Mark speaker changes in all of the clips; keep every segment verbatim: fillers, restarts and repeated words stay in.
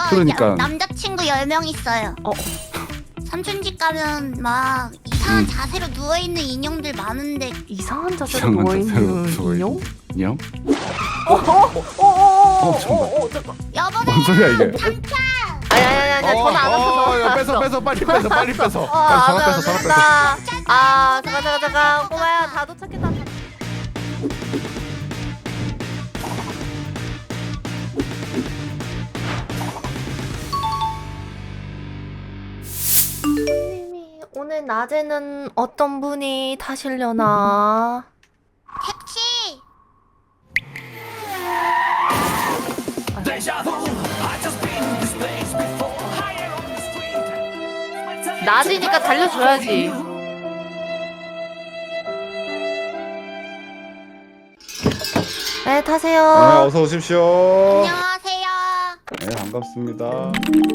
Speaker 1: 그러니까.
Speaker 2: 남자친구 열 명 있어요.
Speaker 3: 어.
Speaker 2: 삼촌 집 가면 막 이상한
Speaker 1: 음.
Speaker 2: 자세로 누워있는 인형들 많은데
Speaker 3: 이상한 자세로
Speaker 1: 이상한
Speaker 3: 누워있는
Speaker 1: 자세로
Speaker 3: 인형?
Speaker 1: 누워있는 인형?
Speaker 3: 어어어어어어어
Speaker 1: 잠깐만.
Speaker 3: 잠깐.
Speaker 2: 여보세요
Speaker 1: 뭔 소리야 이게?
Speaker 2: 삼촌!
Speaker 3: 아니 아니 아니 전화 안 왔어.
Speaker 1: 야, 뺏어 뺏어 빨리 뺏어 빨리 뺏어.
Speaker 3: 어,
Speaker 1: 빨리 전화
Speaker 3: 안
Speaker 1: 뺏어 전화 뺏어.
Speaker 3: 왔다. 아 잠깐 잠깐 잠깐 꼬마야 다 도착했다. 선생님이 오늘 낮에는 어떤 분이 타시려나?
Speaker 2: 택시!
Speaker 3: 낮이니까 달려줘야지. 네 타세요.
Speaker 1: 네, 어서 오십시오.
Speaker 2: 안녕하세요.
Speaker 1: 네, 반갑습니다.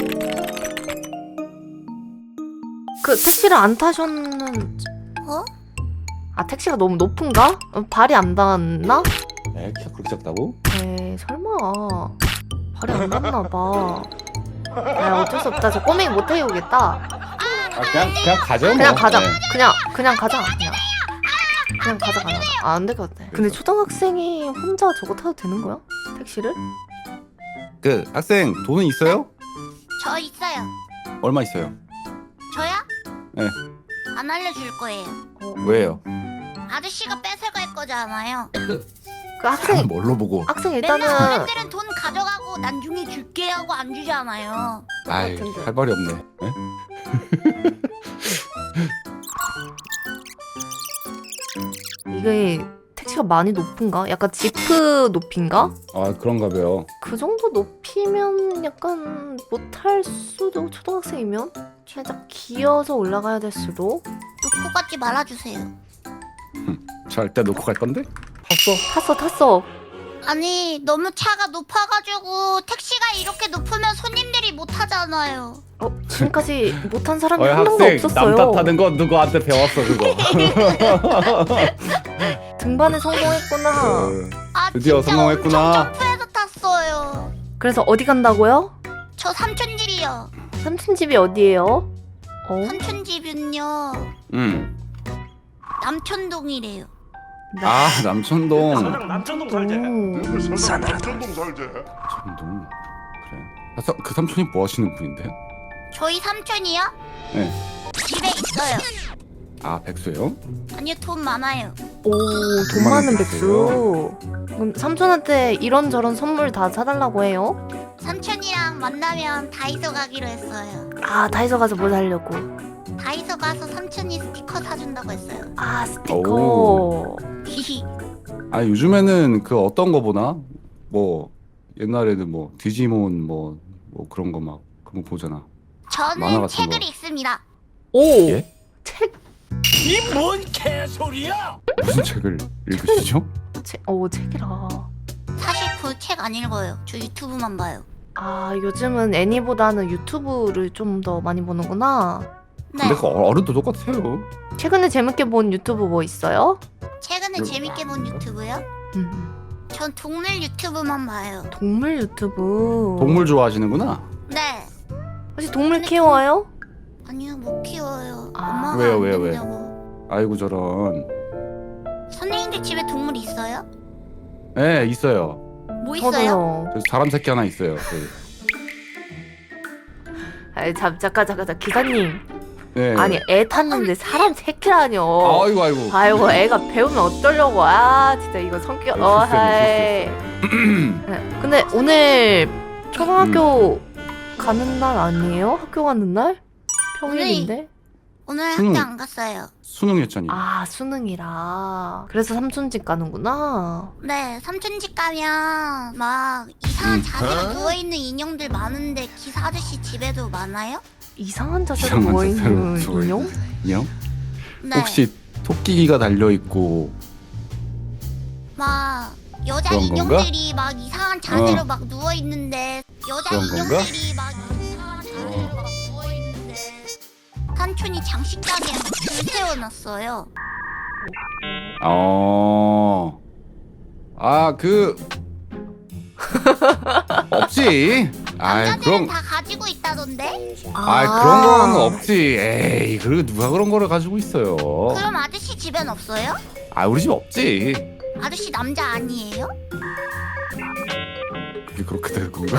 Speaker 3: 그 택시를 안 타셨는...
Speaker 2: 어?
Speaker 3: 아 택시가 너무 높은가? 어, 발이 안 닿았나?
Speaker 1: 에, 키가 그렇게 작다고?
Speaker 3: 에이 설마 발이 안 닿나봐. 아 어쩔 수 없다. 저 꼬맹이 못 태우겠다.
Speaker 1: 아, 그냥 그냥 가죠.
Speaker 3: 그냥
Speaker 1: 뭐.
Speaker 3: 가자.
Speaker 1: 네.
Speaker 3: 그냥 그냥 가자. 그냥 그냥 가자 가자. 아, 안 될 것 같아. 근데 초등학생이 혼자 저거 타도 되는 거야? 택시를?
Speaker 1: 그 학생 돈은 있어요?
Speaker 2: 저 있어요.
Speaker 1: 얼마 있어요?
Speaker 2: 저요?
Speaker 1: 네.
Speaker 2: 안 알려줄 거예요.
Speaker 3: 어,
Speaker 1: 왜요?
Speaker 2: 아저씨가 뺏어갈 거잖아요.
Speaker 3: 그
Speaker 1: 아,
Speaker 3: 학생
Speaker 1: 뭘로 보고?
Speaker 3: 학생
Speaker 2: 맨날
Speaker 3: 일단은
Speaker 2: 어른들은 돈 가져가고 나중에 줄게 하고 안 주잖아요.
Speaker 1: 아이,
Speaker 3: 같은데.
Speaker 1: 할 말이 없네. 에?
Speaker 3: 이게 택시가 많이 높은가? 약간 지프 높인가?
Speaker 1: 아, 그런가 봐요.
Speaker 3: 그 정도 높이면 약간 못할 수도. 초등학생이면 살짝 기어서 올라가야 될 수도.
Speaker 2: 놓고 가지 말아주세요.
Speaker 1: 절대 놓고 갈 건데? 탔어?
Speaker 3: 탔어 탔어.
Speaker 2: 아니 너무 차가 높아가지고 택시가 이렇게 높으면 손님들이 못 타잖아요.
Speaker 3: 어 지금까지 못한 사람이
Speaker 1: 어이,
Speaker 3: 한 명도
Speaker 1: 학생
Speaker 3: 없었어요.
Speaker 1: 남 탓하는 건 누구한테 배웠어 그거?
Speaker 3: 등반에 성공했구나.
Speaker 2: 아
Speaker 1: 드디어
Speaker 2: 진짜
Speaker 1: 성공했구나.
Speaker 2: 엄청 점프해서 탔어요.
Speaker 3: 그래서 어디 간다고요?
Speaker 2: 저 삼촌 집이요.
Speaker 3: 삼촌 집이 어디예요? 어?
Speaker 2: 삼촌 집은요
Speaker 1: 응.
Speaker 2: 남촌동이래요.
Speaker 1: 아, 남천동.
Speaker 4: 사장 남천동 살제.
Speaker 3: 오.
Speaker 4: 싸늘하다. 남천동 살제.
Speaker 1: 남천동. 그래. 아, 서- 그 삼촌이 뭐 하시는 분인데?
Speaker 2: 저희 삼촌이요?
Speaker 1: 네.
Speaker 2: 집에 있어요.
Speaker 1: 아, 백수예요?
Speaker 2: 아니요 돈 많아요.
Speaker 3: 오, 돈
Speaker 1: 돈
Speaker 3: 많은
Speaker 1: 많은
Speaker 3: 백수. 그럼 삼촌한테 이런저런 선물 다 사달라고 해요?
Speaker 2: 삼촌이랑 만나면 다이소 가기로 했어요.
Speaker 3: 아, 다이소 가서 뭘 사려고?
Speaker 2: 다이소 가서 삼촌이 스티커 사준다고 했어요.
Speaker 3: 아, 스티커.
Speaker 1: 오.
Speaker 2: 히히.
Speaker 1: 아, 요즘에는 그 어떤 거 보나? 뭐 옛날에는 뭐 디지몬 뭐, 뭐 그런 거 막 그런 거 보잖아. 만화
Speaker 2: 저는
Speaker 1: 같은
Speaker 2: 책을
Speaker 1: 거.
Speaker 2: 읽습니다.
Speaker 3: 오,
Speaker 1: 예?
Speaker 3: 책,
Speaker 4: 이 뭔 개소리야?
Speaker 1: 무슨 책을 읽으시죠?
Speaker 3: 책, 오, 책이라.
Speaker 2: 사실 그 책 안 읽어요. 저 유튜브만 봐요.
Speaker 3: 아, 요즘은 애니보다는 유튜브를 좀 더 많이 보는구나.
Speaker 2: 네.
Speaker 1: 근데 그 어른도 똑같아요.
Speaker 3: 최근에 재밌게 본 유튜브 뭐 있어요?
Speaker 2: 최근에 재밌게 본 유튜브요?
Speaker 3: 음,
Speaker 2: 전 동물 유튜브만 봐요.
Speaker 3: 동물 유튜브.
Speaker 1: 동물 좋아하시는구나.
Speaker 2: 네.
Speaker 3: 혹시 동물 키워요?
Speaker 2: 아니요 못 키워요.
Speaker 3: 아.
Speaker 2: 엄마가
Speaker 1: 왜요,
Speaker 2: 안
Speaker 1: 왜요, 왜?
Speaker 2: 된다고.
Speaker 1: 아이고 저런.
Speaker 2: 선생님들 집에 동물 있어요?
Speaker 1: 네, 있어요.
Speaker 2: 뭐 있어요?
Speaker 3: 저도요.
Speaker 1: 저 사람 새끼 하나 있어요. 그.
Speaker 3: 아니, 잠, 잠깐, 잠깐, 잠깐, 기사님.
Speaker 1: 네.
Speaker 3: 아니, 애 탔는데 사람 새끼라뇨.
Speaker 1: 아이고 아이고.
Speaker 3: 아이고, 애가 배우면 어쩌려고. 아, 진짜 이거 성격, 어,
Speaker 1: 실수했네,
Speaker 3: 하이. 네, 근데 오늘 초등학교 가는 날 아니에요? 학교 가는 날? 평일인데?
Speaker 2: 오늘
Speaker 1: 수능.
Speaker 2: 학교 안 갔어요.
Speaker 1: 수능했잖니.
Speaker 3: 아, 수능이라. 그래서 삼촌 집 가는구나.
Speaker 2: 네, 삼촌 집 가면 막 이상한
Speaker 1: 음.
Speaker 2: 자세로 누워있는 인형들 많은데 기사 아저씨 집에도 많아요?
Speaker 3: 이상한 자세로
Speaker 1: 이상한
Speaker 3: 누워있는
Speaker 1: 자세로 누워있는
Speaker 3: 인형?
Speaker 1: 인형?
Speaker 2: 네.
Speaker 1: 혹시 토끼기가 달려 있고
Speaker 2: 막 여자
Speaker 1: 그런
Speaker 2: 인형들이 막 이상한 자세로
Speaker 1: 어.
Speaker 2: 막 누워있는데 여자
Speaker 1: 그런 건가?
Speaker 2: 인형들이 막 이상한 자세로 막 누워있는데 삼촌이 장식장에 줄 세워놨어요.
Speaker 1: 어. 아, 그 없지. 아이
Speaker 2: 남자들은
Speaker 1: 그럼
Speaker 2: 다 가지고 있다던데?
Speaker 1: 아이 그런 거는 없지. 에이 그리고 누가 그런 거를 가지고 있어요.
Speaker 2: 그럼 아저씨 집엔 없어요?
Speaker 1: 아 우리 집 없지.
Speaker 2: 아저씨 남자 아니에요?
Speaker 1: 그게 그렇게 되는 건가?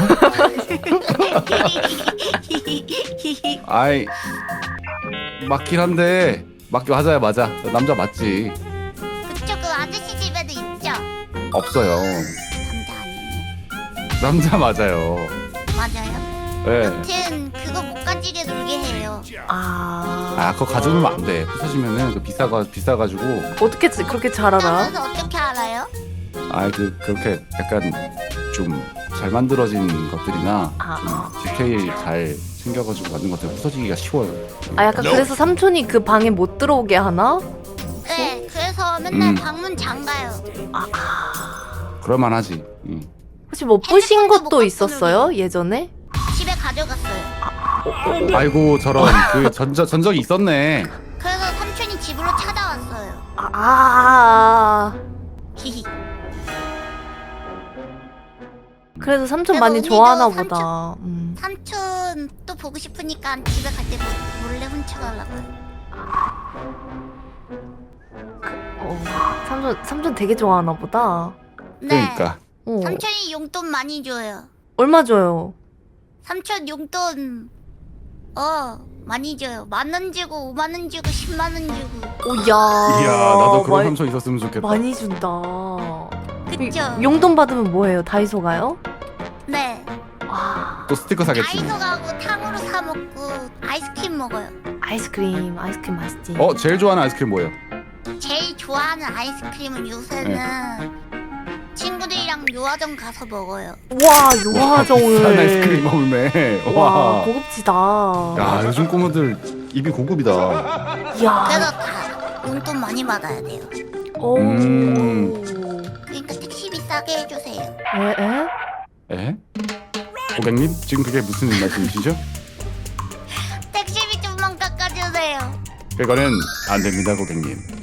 Speaker 1: 아이 맞긴 한데 맞긴 맞아요 맞아. 남자 맞지.
Speaker 2: 그쵸, 그 아저씨 집에도 있죠?
Speaker 1: 없어요.
Speaker 2: 남자 아니에요?
Speaker 1: 남자 맞아요.
Speaker 2: 맞아요?
Speaker 1: 예.
Speaker 2: 여튼 그거 못 가지게 놀게 해요.
Speaker 3: 아,
Speaker 1: 아 그거 가져오면 안 돼. 부서지면은 그 비싸가 비싸가지고.
Speaker 3: 어떻게 지- 그렇게 잘 알아?
Speaker 2: 그래서 어떻게 알아요?
Speaker 1: 아 그 그렇게 약간 좀 잘 만들어진 것들이나
Speaker 3: 아,
Speaker 1: 좀 디테일 잘 챙겨가지고 만든 것들 부서지기가 쉬워요.
Speaker 3: 아 약간 그래서 삼촌이 그 방에 못 들어오게 하나?
Speaker 2: 네, 그래서 맨날
Speaker 1: 음.
Speaker 2: 방문 잠가요.
Speaker 1: 그럴만하지. 응.
Speaker 3: 혹시 뭐 부신
Speaker 2: 핸드폰도
Speaker 3: 것도
Speaker 2: 못
Speaker 3: 있었어요 예전에?
Speaker 2: 집에 가져갔어요.
Speaker 1: 아이고 저런 그 전적 전적이 있었네.
Speaker 2: 그래서 삼촌이 집으로 찾아왔어요.
Speaker 3: 아, 아,
Speaker 2: 히히.
Speaker 3: 그래서 삼촌
Speaker 2: 그래서
Speaker 3: 많이
Speaker 2: 언니도
Speaker 3: 좋아하나
Speaker 2: 삼촌-
Speaker 3: 보다. 음.
Speaker 2: 삼촌 또 보고 싶으니까 집에 갈 때 몰래 훔쳐가려고요.
Speaker 3: 어, 삼촌 삼촌 되게 좋아하나 보다.
Speaker 2: 네.
Speaker 1: 그러니까
Speaker 3: 어.
Speaker 2: 삼촌이 용돈 많이 줘요.
Speaker 3: 얼마 줘요?
Speaker 2: 삼촌 용돈 어 많이 줘요. 만 원 주고 오만 원 주고 십만 원 주고.
Speaker 3: 오야.
Speaker 1: 이야 나도 그런
Speaker 3: 많이,
Speaker 1: 삼촌 있었으면 좋겠다.
Speaker 3: 많이 준다.
Speaker 2: 그쵸?
Speaker 3: 용돈 받으면 뭐해요? 다이소 가요?
Speaker 2: 네.
Speaker 3: 와,
Speaker 1: 또 스티커 사겠지.
Speaker 2: 다이소 가고 탕으로 사 먹고 아이스크림 먹어요.
Speaker 3: 아이스크림, 아이스크림 맛있지.
Speaker 1: 어 제일 좋아하는 아이스크림 뭐예요?
Speaker 2: 제일 좋아하는 아이스크림은 요새는 친구들이랑 요아정 가서 먹어요.
Speaker 3: 와, 요화정을.
Speaker 1: 싼 아이스크림 먹네.
Speaker 3: 와,
Speaker 1: 와.
Speaker 3: 고급지다.
Speaker 1: 야 요즘 꼬마들 입이 고급이다.
Speaker 3: 이야.
Speaker 2: 그래서 다 용돈 많이 받아야 돼요.
Speaker 3: 오.
Speaker 1: 음.
Speaker 2: 그러니까 택시비 싸게 해주세요.
Speaker 3: 에? 에?
Speaker 1: 에? 고객님 지금 그게 무슨 말씀이시죠?
Speaker 2: 택시비 좀만 깎아주세요.
Speaker 1: 그거는 안 됩니다 고객님.